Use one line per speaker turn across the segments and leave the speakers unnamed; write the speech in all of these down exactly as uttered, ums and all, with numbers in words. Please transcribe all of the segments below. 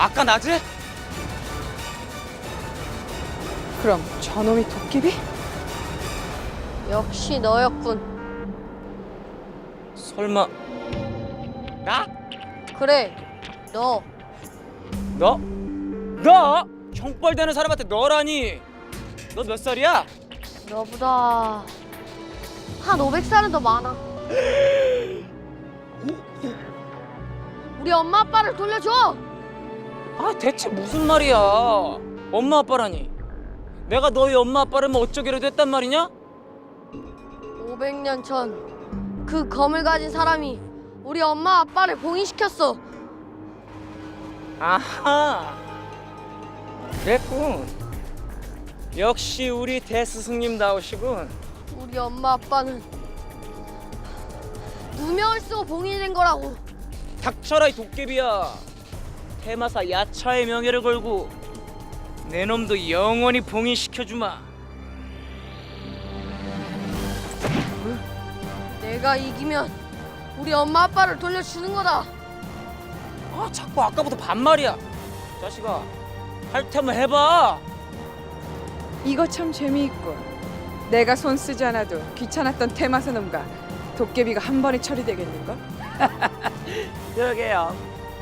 아까 낮에?
그럼 저놈이 도깨비?
역시 너였군.
설마 나?
그래, 너.
너? 너? 형벌되는 사람한테 너라니? 너 몇 살이야?
너보다 한 오백 살은 더 많아. 우리 엄마 아빠를 돌려줘.
아 대체 무슨 말이야? 엄마 아빠라니? 내가 너희 엄마 아빠라면 어쩌기라도 했단 말이냐?
오백 년 전 그 검을 가진 사람이 우리 엄마 아빠를 봉인시켰어.
아하 그랬군. 역시 우리 대스승님다우시군.
우리 엄마 아빠는 누명을 쓰고 봉인된 거라고.
닥쳐라 이 도깨비야. 대마사 야차의 명예를 걸고 내 놈도 영원히 봉인시켜주마.
내가 이기면 우리 엄마 아빠를 돌려주는 거다.
아 자꾸 아까부터 반말이야. 자식아 할 테면 해봐.
이거 참 재미있군. 내가 손 쓰지 않아도 귀찮았던 테마사 놈과 도깨비가 한 번에 처리되겠는걸?
그러게요.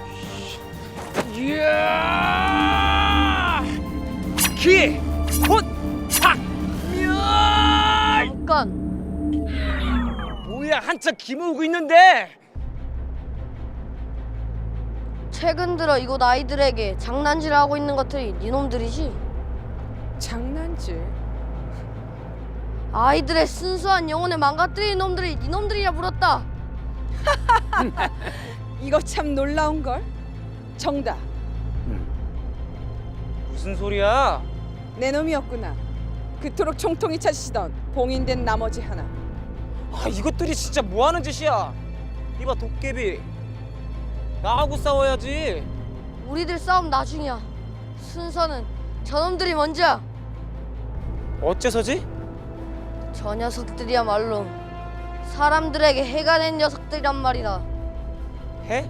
이야! 기, 곧, 탁, 멸!
잠깐.
뭐야 한참 기모으고 있는데?
최근 들어 이곳 아이들에게 장난질을 하고 있는 것들이 니놈들이지?
장난질?
아이들의 순수한 영혼을 망가뜨리는 놈들이 니놈들이라 물었다.
이거 참 놀라운걸? 정답,
무슨 소리야?
내 놈이었구나. 그토록 총통이 찾으시던 봉인된 나머지 하나.
아 이것들이 진짜 뭐 하는 짓이야? 이봐 도깨비, 나하고 싸워야지.
우리들 싸움 나중이야. 순서는 저놈들이 먼저야.
어째서지?
저 녀석들이야말로 사람들에게 해가 된 녀석들이란 말이다.
해?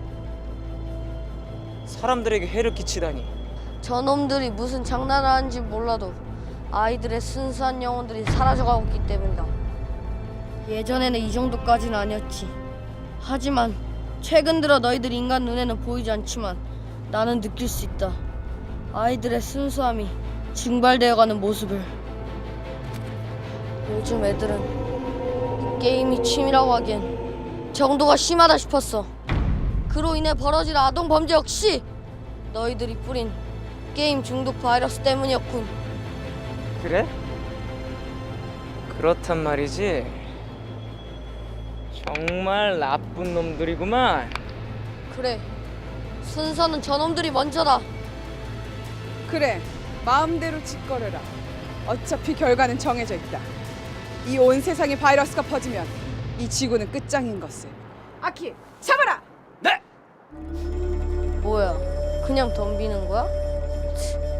사람들에게 해를 끼치다니.
저놈들이 무슨 장난을 하는지 몰라도 아이들의 순수한 영혼들이 사라져가고 있기 때문이다. 예전에는 이 정도까지는 아니었지. 하지만 최근 들어 너희들 인간 눈에는 보이지 않지만 나는 느낄 수 있다. 아이들의 순수함이 증발되어가는 모습을. 요즘 애들은 게임이 취미라고 하기엔 정도가 심하다 싶었어. 그로 인해 벌어질 아동 범죄 역시 너희들이 뿌린 게임 중독 바이러스 때문이었군.
그래? 그렇단 말이지. 정말 나쁜 놈들이구만.
그래, 순서는 저놈들이 먼저다.
그래, 마음대로 짓거려라. 어차피 결과는 정해져 있다. 이 온 세상에 바이러스가 퍼지면 이 지구는 끝장인 것을. 아키, 잡아라!
네.
뭐야, 그냥 덤비는 거야?